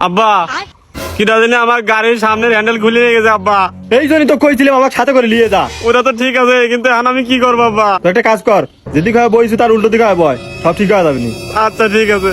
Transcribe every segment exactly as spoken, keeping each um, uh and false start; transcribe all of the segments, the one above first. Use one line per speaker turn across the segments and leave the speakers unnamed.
আব্বা কিটা জানি আমার গাড়ির সামনের হ্যান্ডেল খুলে নিয়ে গেছে আব্বা।
এই জন্যই তো কইছিলাম আমার সাথে করে নিয়ে যা।
ওটা তো ঠিক আছে, কিন্তু এখন আমি কি করবো আব্বা?
তো একটা কাজ কর, যেদিকে হয় বইছি তার উল্টো দিকে হয় বয়, সব ঠিক হয়ে যাবে নি।
আচ্ছা ঠিক আছে।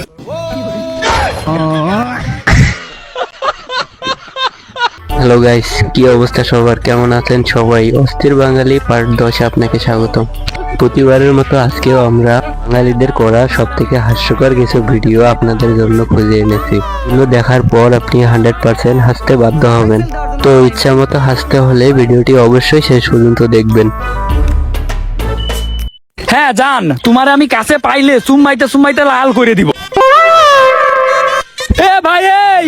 হ্যালো গাইস, কি অবস্থা সবার, কেমন আছেন সবাই? অস্থির বাঙালি পার্ট দশে আপনাকে স্বাগতম। প্রতিবারের মতো আজকেও আমরা বাঙালিদের করা সব থেকে হাস্যকর কিছু ভিডিও আপনাদের জন্য খুঁজে এনেছি। এগুলো দেখার পর আপনি হান্ড্রেড পার্সেন্ট হাসতে বাধ্য হবেন। তো ইচ্ছা মতো হাসতে হলে ভিডিওটি অবশ্যই শেষ পর্যন্ত দেখবেন।
হ্যাঁ জান, তোমার আমি কাছে পাইলে সুমাইতে সুমাইতে লাল করে দিব। এ ভাই, এই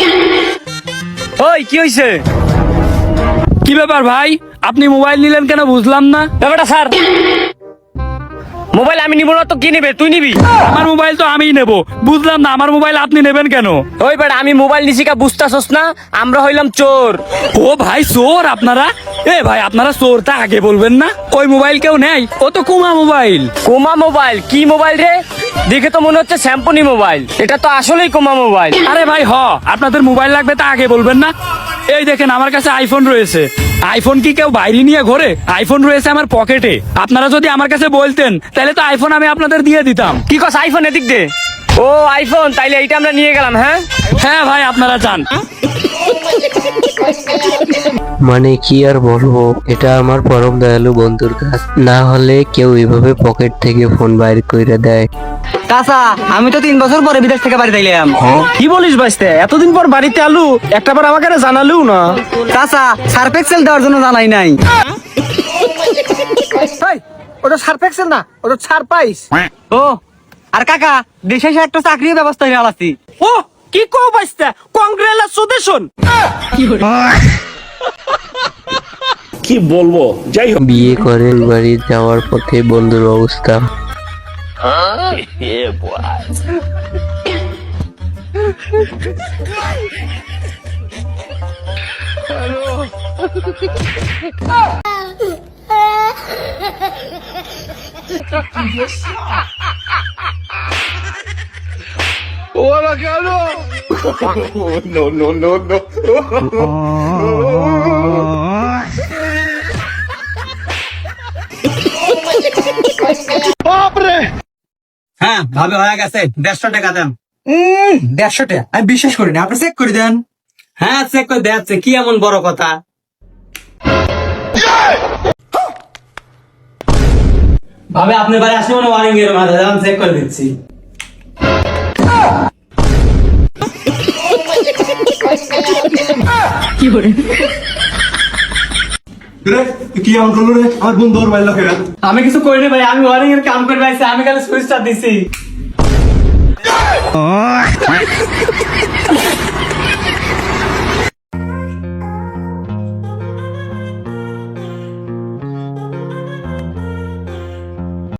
ওই কি হইছে? কি ব্যাপার ভাই, আপনি মোবাইল নিলেন কেন বুঝলাম না।
ব্যাপারটা স্যার, মোবাইল আমি নিব না তো কি নেবে? তুই নিবি?
আমার মোবাইল তো আমিই নেব। বুঝলাম না, আমার মোবাইল আপনি নেবেন কেন?
ওই বেটা, আমি মোবাইল নিছি কা বুঝতাছস না? আমরা হইলাম চোর।
ও ভাই চোর আপনারা? এ ভাই আপনারা চোরটা আগে বলবেন না। ওই মোবাইল কেউ নেই, ও তো কুমা মোবাইল।
কোমা মোবাইল? কি মোবাইল রে? দেখে তো মনে হচ্ছে স্যাম্পনি মোবাইল। এটা তো আসলেই কোমা মোবাইল।
আরে ভাই হ, আপনাদের মোবাইল লাগবে তা আগে বলবেন না। এই দেখেন আমার কাছে আইফোন রয়েছে। আইফোন কি কেউ বাইরে নিয়ে ঘোরে? আইফোন রয়েছে আমার পকেটে। আপনারা যদি আমার কাছে বলতেন তাহলে তো আইফোন আমি আপনাদের দিয়ে দিতাম।
কি কস? আইফোন এদিক দে। ও আইফোন, তাইলে এইটা আমরা নিয়ে গেলাম। হ্যাঁ
হ্যাঁ ভাই, আপনারা চান?
মানে কি আর বলবো, এটা আমার পরম দয়ালু বন্ধুর কাজ। না হলে কেউ এভাবে পকেট থেকে ফোন বাইর করে দেয়।
চাচা, আমি তো তিন বছর পরে বিদেশ থেকে বাড়িতে এলাম।
কি বলিস বাইস্তে? এতদিন পর বাড়িতে আলু, একটা বার আমাকে জানালেও না।
চাচা, সার্ফ এক্সেল দেওয়ার জন্য জানাই নাই।
ওটা সার্ফ এক্সেল না, ওটা সারপ্রাইজ।
ও আর কাকা, দেশে এসে একটা চাকরির ব্যবস্থা হয়ে আলাসি।
ও কি কো বাইস্তে? কংগ্রেচুলেশন।
বিয়ে করে বাড়ি যাওয়ার পথে বন্ধুর অবস্থা।
হ্যাঁ ভাবে হয়ে গেছে, দেড়শো টাকা দেন।
দেড়শো টাকা আমি বিশ্বাস করি না, আপনি চেক করে দেন।
হ্যাঁ চেক করে দেখাচ্ছে, কি এমন বড় কথা? ভাবে আপনি বাড়ি আসলে মনে ওয়ারিং এর মাঝে যান, চেক করে দিচ্ছি।
কি এমন করলো রে আমার বন্ধু? ওর বাইল লোকেরা
আমি কিছু করিনি ভাই, আমি ওয়ারিং এর কাম করে পাইছি, আমি খালি সুইচটা দিছি।